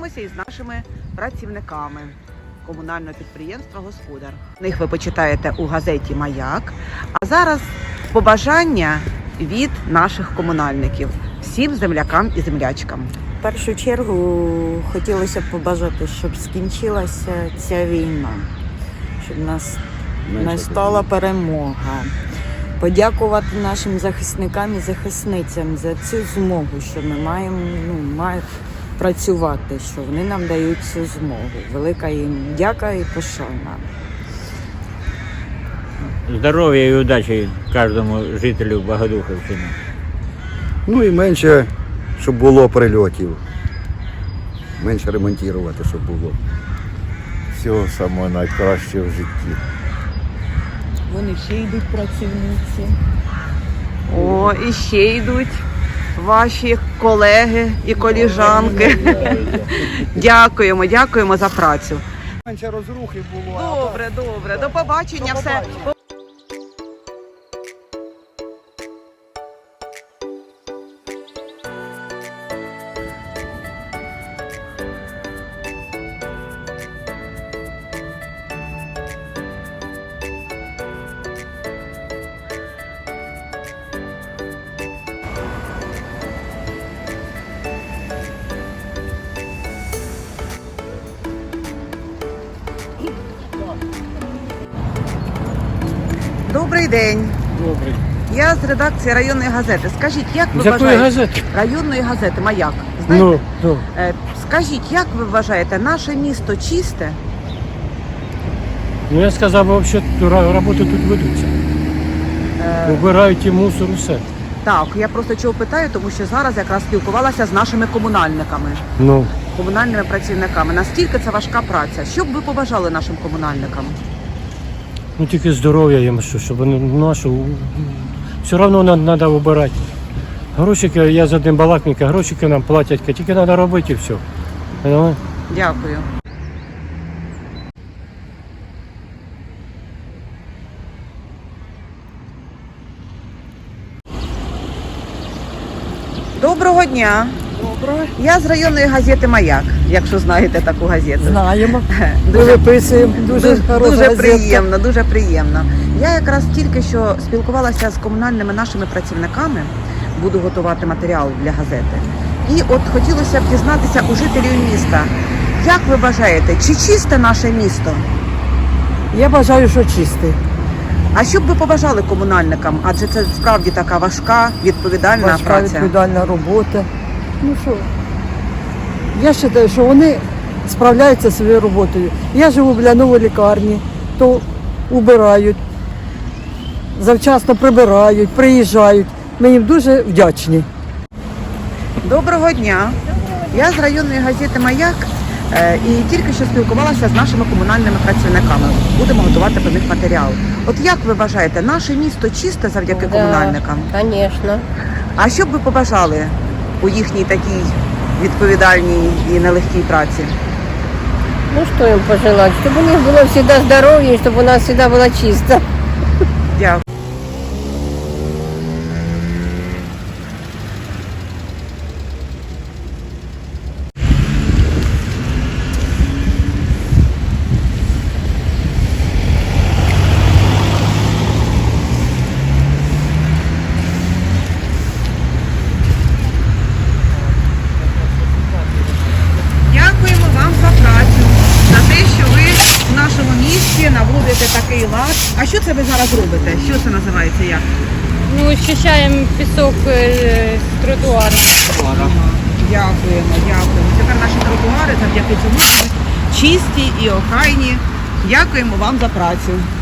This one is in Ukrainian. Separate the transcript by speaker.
Speaker 1: спілкуємося із нашими працівниками комунального підприємства «Господар». Них ви почитаєте у газеті «Маяк». А зараз побажання від наших комунальників всім землякам і землячкам.
Speaker 2: В першу чергу хотілося б побажати, щоб скінчилася ця війна, щоб нас настала перемога. Подякувати нашим захисникам і захисницям за цю змогу, що ми маємо працювати, що вони нам дають цю змогу. Велика їм дяка і пошана.
Speaker 3: Здоров'я і удачі кожному жителю Богодухівщини.
Speaker 4: Ну і менше, щоб було прильотів. Менше ремонтувати, щоб було.
Speaker 5: Всього самого найкращого в житті.
Speaker 2: Вони ще йдуть працівниці.
Speaker 1: О, і ще йдуть ваші колеги і коліжанки. Дякуємо за працю.
Speaker 4: Менше розрухи було.
Speaker 1: Добре. До побачення. Все. Добрий день.
Speaker 6: Добрий.
Speaker 1: Я з редакції районної газети. Скажіть, як ви
Speaker 6: З якої
Speaker 1: вважаєте?
Speaker 6: газети?
Speaker 1: Районної газети «Маяк». Знаєте?
Speaker 6: Ну.
Speaker 1: Скажіть, як ви вважаєте, наше місто чисте?
Speaker 6: Ну я сказав, взагалі роботи тут ведуться. Убирають і мусор, усе.
Speaker 1: Так, я просто чого питаю, тому що зараз якраз спілкувалася з нашими комунальниками,
Speaker 6: Ну,
Speaker 1: комунальними працівниками. Настільки це важка праця. Що б ви побажали нашим комунальникам?
Speaker 6: ну тільки здоров'я їм, щоб вони нашу. Все одно треба вибирати. Грошики, я за один балакника, грошики нам платять, тільки треба робити і все. Понимаєш?
Speaker 1: Дякую. Доброго дня.
Speaker 2: Добре.
Speaker 1: Я з районної газети «Маяк», якщо знаєте таку газету.
Speaker 2: Знаємо.
Speaker 1: Дуже,
Speaker 2: Виписуємо. Дуже
Speaker 1: приємно, дуже приємно. Я якраз тільки що спілкувалася з комунальними нашими працівниками, буду готувати матеріал для газети. І от хотілося б дізнатися у жителів міста, як ви вважаєте, чи чисте наше місто?
Speaker 2: Я бажаю, що чистий.
Speaker 1: А що б ви побажали комунальникам? Адже це справді така важка, відповідальна
Speaker 7: Важка
Speaker 1: праця.
Speaker 7: відповідальна робота. Ну що, я вважаю, що вони справляються зі своєю роботою. Я живу біля нової лікарні, то убирають, завчасно прибирають, приїжджають. Ми їм дуже вдячні.
Speaker 1: Доброго дня. Я з районної газети «Маяк» і тільки що спілкувалася з нашими комунальними працівниками. Будемо готувати про них матеріал. От як ви вважаєте, наше місто чисте завдяки комунальникам?
Speaker 8: Конечно.
Speaker 1: А що б ви побажали у їхній такій відповідальній і нелегкій праці?
Speaker 8: Ну что им пожелать? Чтобы у них было всегда здоровье, и чтобы у нас всегда было чисто.
Speaker 1: Дякую. Дякуємо вам за працю, за те, що ви в нашому місті наводите такий лад. А що це ви зараз робите? Що це називається як?
Speaker 9: Ну, очищаємо пісок з тротуару.
Speaker 1: Дякуємо. Тепер наші тротуари завдяки цьому чисті і охайні. Дякуємо вам за працю.